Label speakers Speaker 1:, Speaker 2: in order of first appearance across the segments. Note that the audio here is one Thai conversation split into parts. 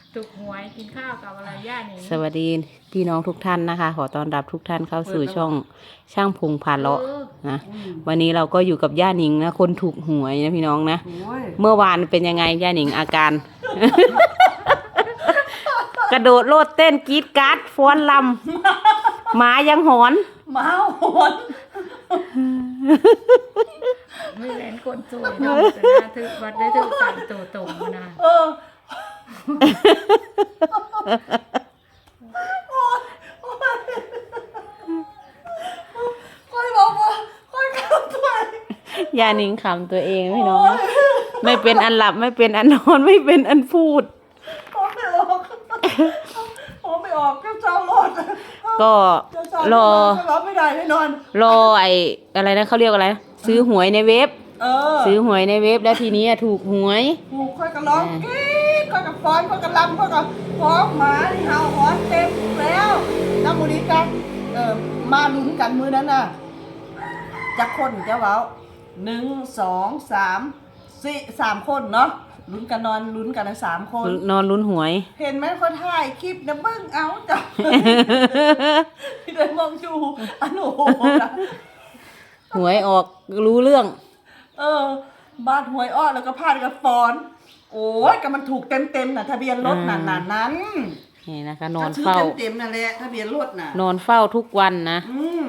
Speaker 1: ถูกหวยกินข้าวกับอะไรย่านี่
Speaker 2: สวัสดีพี่น้องทุกท่านนะคะ ขอต้อนรับทุกท่านเข้าสู่ช่องช่างพงพาเลาะนะวันนี้เราก็อยู่กับย่าหนิงนะคนถูกหวยนะพี่น้องนะเมื่อวานเป็นยังไงย่าหนิงอาการ กระโดดโลดเต้นกรี๊ดกราดฟ้อนลำหมายังหอน
Speaker 3: หมาหอน
Speaker 1: ไม่เล่นคนสวยน้องแต่น่าถือวัดได้ถือสั่งตัวตรงนะ
Speaker 3: ค่อยบอกว่าค่อยกลับไป
Speaker 2: ย่าหนิงขำตัวเองพี่น้องไม่เป็นอันหลับไม่เป็นอันนอนไม่เป็นอันพูด
Speaker 3: ไม่ออกไม่ออกเจ้าหลอด
Speaker 2: ก็รอ
Speaker 3: ไม่ได้แน่นอน
Speaker 2: รอไอ้อะไรนะเขาเรียกอะไรซื้อหวยในเว็บซื้อหวยในเว็บแล้วทีนี้ถูกหวย
Speaker 3: ถูกค่อยก็ร้องกรี๊ดค่อยก็ฟ้อนค่อยก็รำค่อยก็ฟ้องหมาที่เห่าหอนเต็มแล้วน้ำมูนิกันมาลุ้นกันมือนั้นน่ะจะคนจะเว้า1 2 3 4 3คนเนาะลุ้นกันนอนลุ้นกันนะ3 คน
Speaker 2: นอนลุ้นหวย
Speaker 3: เห็นไหมคนถ่ายคลิปนะเบิ้งเอาจ้ะพี่เลยมองดูอันโอ้โห
Speaker 2: หวยออกรู้เรื่อง
Speaker 3: บาดหวยอ้อแล้วก็พาดกับฟอนโอ้ยก็มันถูกเต็มน่ะทะเบียนรถนั้น
Speaker 2: นี่นะคะนอนเฝ้า
Speaker 3: เต็มนั่นแหละทะเบียนรถน่ะ
Speaker 2: นอนเฝ้าทุกวันนะ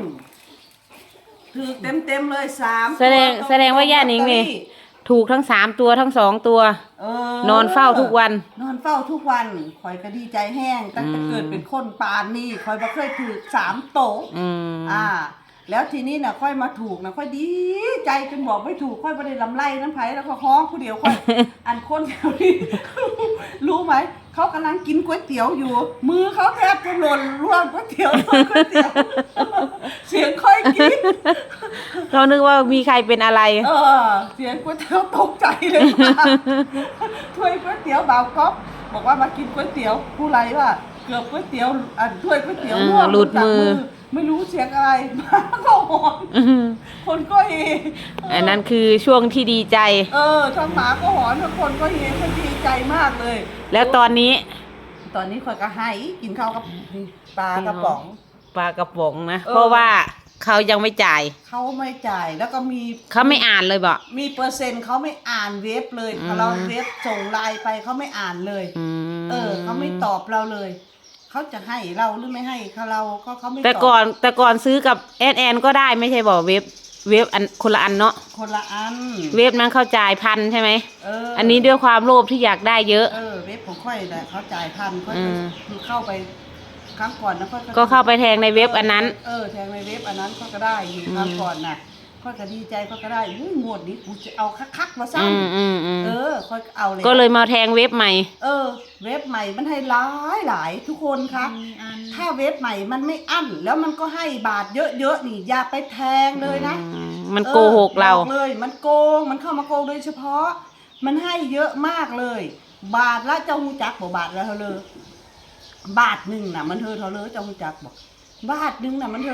Speaker 3: ถูกเต็มเลย3
Speaker 2: แสดงว่าย่านิงนี่ถูกทั้ง3ตัวทั้ง2ตัวนอนเฝ้าทุกวัน
Speaker 3: นอนเฝ้าทุกวันคอยก็ดีใจแห้งตั้งแต่เกิดเป็นคนปานนี่คอยบ่เคยถูก3โตแล้วทีนี้น่ะค่อยมาถูกนะค่อยดีใจจนบอกไม่ถูกค่อยบ่ได้ลำไรน้ำไผแล้วก็ฮ้องผู้เดียวค่อย อันคนแถวนี้ รู้ไหมเขากำลังกินก๋วยเตี๋ยวอยู่มือเขาแทบจะหล่นร่วงก๋วยเตี๋ยวเสียงค่อยกิน
Speaker 2: เรานึกว่ามีใครเป็นอะไร
Speaker 3: เสียงก๋วยเตี๋ยวตกใจเลยถ้วยก๋วยเตี๋ยวบ่าวก๊อฟบอกว่ามากินก๋วยเตี๋ยวผู้ไรว่าเกือบก๋วยเตี๋ยวถ้วยก๋วยเตี๋ยวร่วง
Speaker 2: หลุดมือ
Speaker 3: ไม่รู้เสียงอะไรมาก็หอนคนก็เฮ
Speaker 2: อันนั้นคือช่วงที่ดีใจ
Speaker 3: ทั้งหมาก็หอนทั้งคนก็เฮคนดีใจมากเลย
Speaker 2: แล้วตอนนี้
Speaker 3: คอยก็ให้กินข้าวกับปลากระป๋อง
Speaker 2: นะเพราะว่าเขายังไม่จ่าย
Speaker 3: เขาไม่จ่ายแล้วก็
Speaker 2: เขาไม่อ่านเลยบอก
Speaker 3: มีเปอร์เซ็นต์เขาไม่อ่านเว็บเลยเราเว็บส่งไลน์ไปเขาไม่อ่านเลยเขาไม่ตอบเราเลยเขาจะให้เราหรือไม่ให้เขาไม่ตอบ
Speaker 2: แต่ก่อนซื้อกับแอนก็ได้ไม่ใช่บอกเว็บอันคนละอันเนาะ
Speaker 3: คนละอัน
Speaker 2: เว็บนั้นเขาจ่าย1,000ใช่ไหมอันนี้ด้วยความโลภที่อยากได้เยอะ
Speaker 3: เว็บของค่อยแต่เขาจ่าย1,000ค่อยคือเข้าไปครั้งก่อนนะ
Speaker 2: ก็เข้าไปแทงในเว็บอันนั้น
Speaker 3: แทงในเว็บอันนั้นก็ได้อยู่ครั้งก่อนน่ะค่อยก็ดีใจก็ได้งวดนี้กูจะเอาคักๆมาซ้ำค่อยเอาเลย
Speaker 2: ก็เลยมาแทงเว็บใหม่
Speaker 3: เว็บใหม่มันให้หลายทุกคนคะถ้าเว็บใหม่มันไม่อั้นแล้วมันก็ให้บาทเยอะๆนี่อย่าไปแทงเลยนะ
Speaker 2: มันโกหกเรา
Speaker 3: เลยมันโกงมันเข้ามาโกงโดยเฉพาะมันให้เยอะมากเลยบาทละเจ้าหูจักบ่บาทละเท่าเลยบาทหนึ่งน่ะมันเท่าเลยเจ้าหูจักบอกบาทหนึ่งน่ะมัน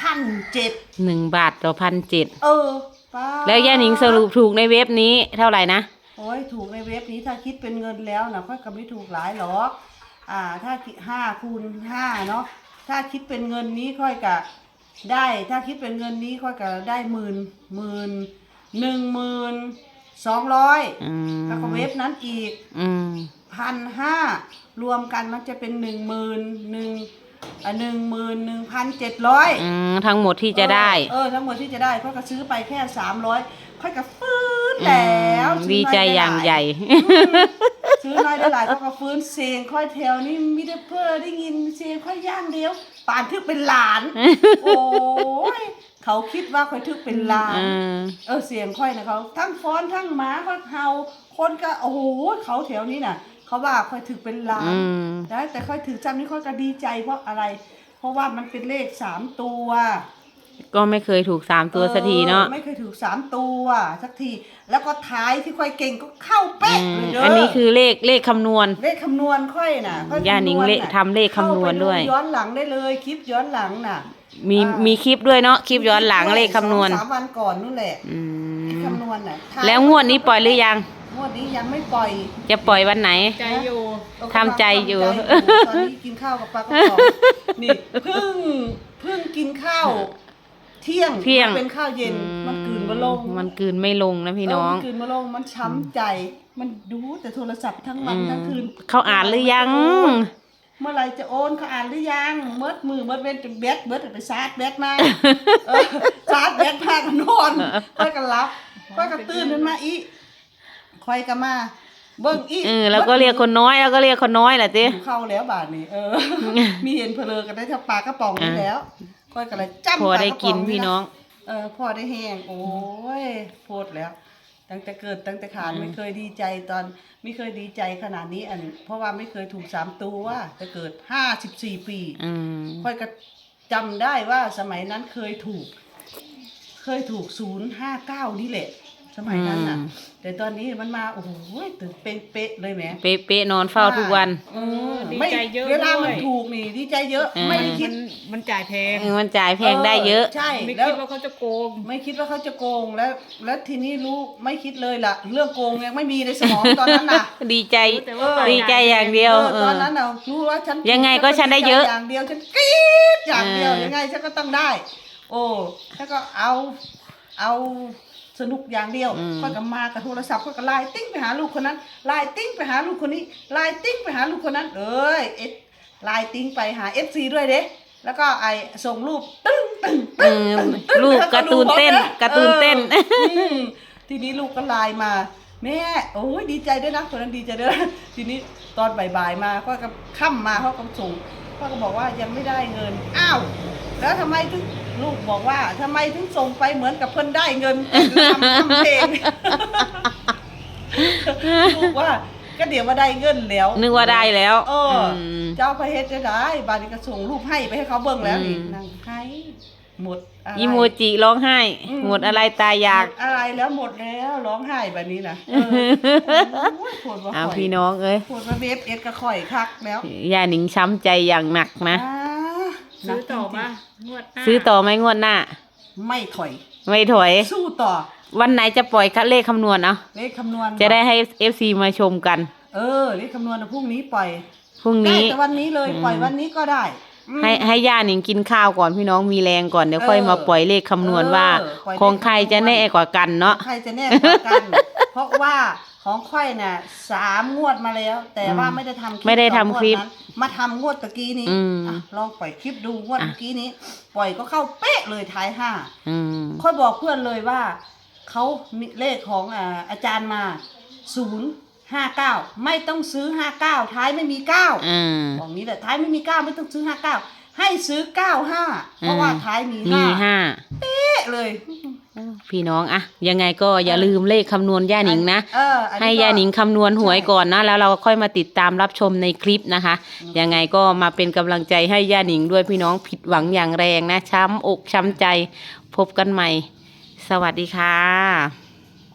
Speaker 3: 1,700
Speaker 2: 1 บาทต่อ1,700
Speaker 3: ป้า
Speaker 2: แล้วย่าหนิงสรุปถูกในเว็บนี้เท่าไหร่นะ
Speaker 3: โอ้ยถูกในเว็บนี้ถ้าคิดเป็นเงินแล้วนะค่อยก็ไม่ถูกหลายหรอกถ้า5 คูณ 5เนาะถ้าคิดเป็นเงินนี้ค่อยก็ได้ถ้าคิดเป็นเงินนี้ค่อยก็ได้12,200แล้วก็เว็บนั้นอีก1,500รวมกันมันจะเป็น11,700
Speaker 2: ทั้งหมดที่จะได้
Speaker 3: ทั้งหมดที่จะได้ค่อยก็ซื้อไปแค่300ค่อยก็ฟื้นแล้ว
Speaker 2: ดีใจอย่างใหญ่
Speaker 3: ซื้อน้อยได้หลายก็ฟื้นเสียงค่อยแถวนี่มีแต่เพื่อได้ยินเสียงค่อยย่างเดียวป่านทึกเป็นหลานโอ้ยเขาคิดว่าค่อยทึกเป็นหลานเสียงค่อยนะเขาทั้งฟ้อนทั้งหมาค่อยเห่าคนก็โอ้โหเขาแถวนี้น่ะเขาว่าค่อยถึกเป็นล้านแต่ค่อยถึกจำนี้ค่อยก็ดีใจเพราะอะไรเพราะว่ามันเป็นเลข3ตัว
Speaker 2: ก็ไม่เคยถูก3ตัวสักทีเนาะ
Speaker 3: ไม่เคยถูก3ตัวสักทีแล้วก็ท้ายที่ค่อยเก่งก็เข้าเป๊ะเลยเด้อ
Speaker 2: อันนี้คือเลขคำนวณ
Speaker 3: ค่อยน่ะ
Speaker 2: ย่าหนิงทำเลขคำนวณด้วย
Speaker 3: ย้อนหลังได้เลยคลิปย้อนหลังน่ะ
Speaker 2: มีคลิปด้วยเนาะคลิปย้อนหลังเลขคำนวณ
Speaker 3: 3 วันก่อนนู่นแหละคำนวณน่ะ
Speaker 2: แล้วงวดนี้ปล่อยหรือยัง
Speaker 3: งวดนี้ยังไม่ปล่อย
Speaker 2: จะปล่อยวันไหน
Speaker 1: ใจอยู่
Speaker 2: ทำใจอยู่
Speaker 3: ตอนนี้กินข้าวกับปลากระป๋องนี่เพิ่งกินข้าวเที่ยงมันเป็นข้าวเย็นมันกลืนมาลง
Speaker 2: มันกลืนไม่ลงนะพี่น้อง
Speaker 3: มันกลืนมาลงมันช้ำใจ มันดูแต่โทรศัพท์ทั้งวันทั้งคืน
Speaker 2: เขาอ่านหรือยัง
Speaker 3: เมื่อไรจะโอนเขาอ่านหรือยังเมื่อเว้นจนเบ็ดไปชาร์จแบตมาชาร์จแบตมาก็นอนค่อยก็รับค่อยก็ตื่นขึ้นมาอีค่อยก็มาเบิ่งอี
Speaker 2: แล้วก็เรียกคนน้อยแล้วก็เรียกคนน้อยแหละติ
Speaker 3: เข้าแล้วบาทนี้มีเห็นเพลอกันได้ถ้าปลากระป๋องนี่แล้วค่อยก็เลยจ้ำ
Speaker 2: พอได้กินพี่น้อง
Speaker 3: พอได้แห้งโอ้ยโพดแล้ว ตั้งแต่เกิดตั้งแต่ขาดไม่เคยดีใจตอนไม่เคยดีใจขนาดนี้เพราะว่าไม่เคยถูก3 ตัวแต่เกิด54 ปีค่อยก็จำได้ว่าสมัยนั้นเคยถูก059นี่แหละสมัยนั้นน่ะแต่ตอนนี้มันมาโอ้โหตื่นเป๊ะเลยแหม
Speaker 2: เป๊ะๆนอนเฝ้าทุกวัน
Speaker 1: ดีใจเยอะ
Speaker 3: เวลามันถูกนี่ดีใจเยอะไม่ได้คิด
Speaker 1: มันจ่ายแพง
Speaker 2: มันจ่ายแพงได้เยอะ
Speaker 3: ใช่
Speaker 1: ไม่
Speaker 3: แล้ว
Speaker 1: คิดว่าเขาจะโกง
Speaker 3: ไม่คิดว่าเขาจะโกงแล้วทีนี้รู้ไม่คิดเลยล่ะเรื่องโกงยังไม่มีในสมองตอนนั้นน่ะ
Speaker 2: ดีใจ
Speaker 1: แต่ว่า
Speaker 2: ดีใจอย่างเดียว
Speaker 3: ตอนนั้นเรารู้ว่าฉัน
Speaker 2: ยังไงก็ฉันได้เยอะ
Speaker 3: อย่างเดียวฉันกรี๊ดอย่างเดียวยังไงฉันก็ต้องได้ โอ้แล้วก็เอาสนุกอย่างเดียวค่อยก็มากับโทรศัพท์ค่อยก็ไลน์ติ้งไปหาลูกคนนั้นไลน์ติ้งไปหาลูกคนนี้ไลน์ติ้งไปหาลูกคนนั้นไลน์ติ้งไปหา FC ด้วยเด้แล้วก็ส่งรูปตึ้ง
Speaker 2: ลูกการ์ตูนเต้น
Speaker 3: ทีนี้ลูกก็ไลน์มาแม่โอ้ยดีใจด้วยนะคนนั้นดีใจด้วยนะทีนี้ตอนบ่ายๆมาก็ค่ำมาเขาก็ส่งเขาก็บอกว่ายังไม่ได้เงินอ้าวแล้วทำไมถึงลูกบอกว่าทำไมถึงส่งไปเหมือนกับเพิ่นได้เงินทำเพลงลูกว่าก็เดี๋ยวว่าได้เงินแล้ว
Speaker 2: นึกว่าได้แล้ว
Speaker 3: เจ้าพระเฮ็ดได้บาดนี้ก็ส่งรูปให้ไปให้เขาเบิ่งแล้วนี่นั่งให้หมดอะไร
Speaker 2: อีโมจิร้องไห้หมดอะไรตายอยาก
Speaker 3: อะไรแล้วหมดแล้วร้องไห้แบบนี้นะปวดว่า
Speaker 2: พี่น้องเอ้ย
Speaker 3: ปวดว่าเว็บก็ข่อยคักแล้ว
Speaker 2: ย่าหนิงช้ำใจอย่างหนักนะ
Speaker 1: ซื้อต่อมางวดหน้า
Speaker 2: ซื้อต่อไหมงวดหน้า
Speaker 3: ไม่ถอย
Speaker 2: ไม่ถอย
Speaker 3: สู้ต่อ
Speaker 2: วันไหนจะปล่อยเลขคำนวณเอา
Speaker 3: เลขคำนวณ
Speaker 2: จะได้ให้ FC มาชมกัน
Speaker 3: เลขคำนวณพรุ่งนี้ปล่อย
Speaker 2: พรุ่ง
Speaker 3: ได้
Speaker 2: นี้
Speaker 3: แต่วันนี้เลยปล่อยวันนี้ก็ได้
Speaker 2: ให้ย่าหนิงกินข้าวก่อนพี่น้องมีแรงก่อนเดี๋ยวค่อยมาปล่อยเลขคำนวณว่าของใครจะแน่กว่ากันเนาะ
Speaker 3: ใครจะแน่กว่ากัน เพราะว่าของค่อยน่ะ3 งวดมาแล้ว แต่ว่าไม่ได้ทำคลิป
Speaker 2: ไม่ได้ทำคลิป
Speaker 3: 2 งวดนั้นมาทำงวดตะกี้นี้ลองปล่อยคลิปดูงวดตะกี้นี้ ปล่อยก็เข้าเป๊ะเลยท้าย5ค่อยบอกเพื่อนเลยว่าเขามีเลขของอาจารย์มา059ไม่ต้องซื้อ59ท้ายไม่มี9บอกนี้แหละท้ายไม่มี9ไม่ต้องซื้อ59ให้ซื้อ95เพราะว่าท้ายมี5เป๊ะเลย
Speaker 2: พี่น้องอะยังไงก็อย่าลืมเลขคำนวณย่าหนิงนะให้ย่าหนิงคำนวณหวยก่อนนะแล้วเราก็ค่อยมาติดตามรับชมในคลิปนะคะยังไงก็มาเป็นกำลังใจให้ย่าหนิงด้วยพี่น้องผิดหวังอย่างแรงนะช้ำอกช้ำใจพบกันใหม่สวัสดีค่ะ